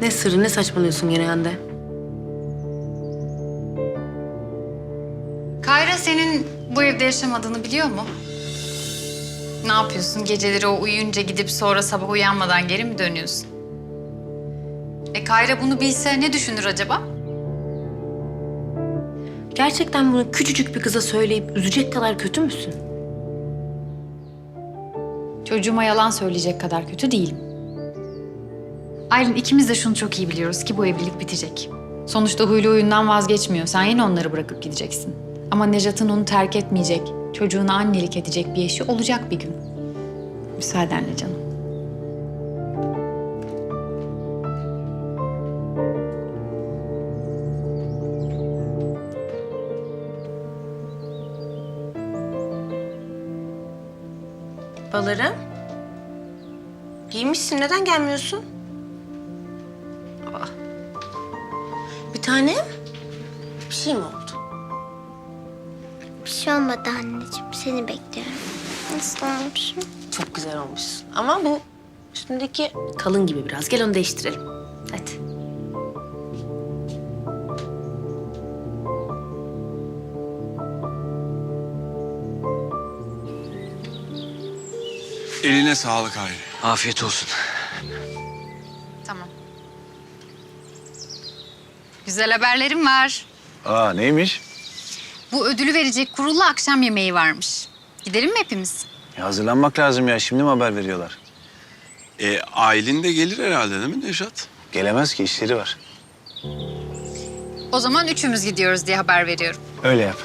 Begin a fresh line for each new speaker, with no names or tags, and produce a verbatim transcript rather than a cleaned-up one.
Ne sırrı, ne saçmalıyorsun gene Hande?
Kayra senin bu evde yaşamadığını biliyor mu? Ne yapıyorsun? Geceleri o uyuyunca gidip sonra sabah uyanmadan geri mi dönüyorsun? E Kayra bunu bilse ne düşünür acaba?
Gerçekten bunu küçücük bir kıza söyleyip üzecek kadar kötü müsün?
Çocuğuma yalan söyleyecek kadar kötü değilim. Aylin, ikimiz de şunu çok iyi biliyoruz ki bu evlilik bitecek. Sonuçta huylu huyundan vazgeçmiyor. Sen yine onları bırakıp gideceksin. Ama Nejat'ın onu terk etmeyecek, çocuğuna annelik edecek bir eşi olacak bir gün. Müsaadenle canım.
Balarım. Giymişsin, neden gelmiyorsun? Aa. Bir tane bir şey mi oldu?
Bir şey olmadı anneciğim. Seni bekliyorum. Nasıl olmuşum?
Çok güzel olmuşsun. Ama bu üstündeki kalın gibi biraz. Gel onu değiştirelim. Hadi.
Eline sağlık Hayri.
Afiyet olsun.
Tamam. Güzel haberlerim var.
Aa neymiş?
Bu ödülü verecek kurulla akşam yemeği varmış. Gidelim mi hepimiz?
Ya hazırlanmak lazım ya. Şimdi mi haber veriyorlar?
E, Aylin de gelir herhalde değil mi Nejat?
Gelemez ki, işleri var.
O zaman üçümüz gidiyoruz diye haber veriyorum.
Öyle yap.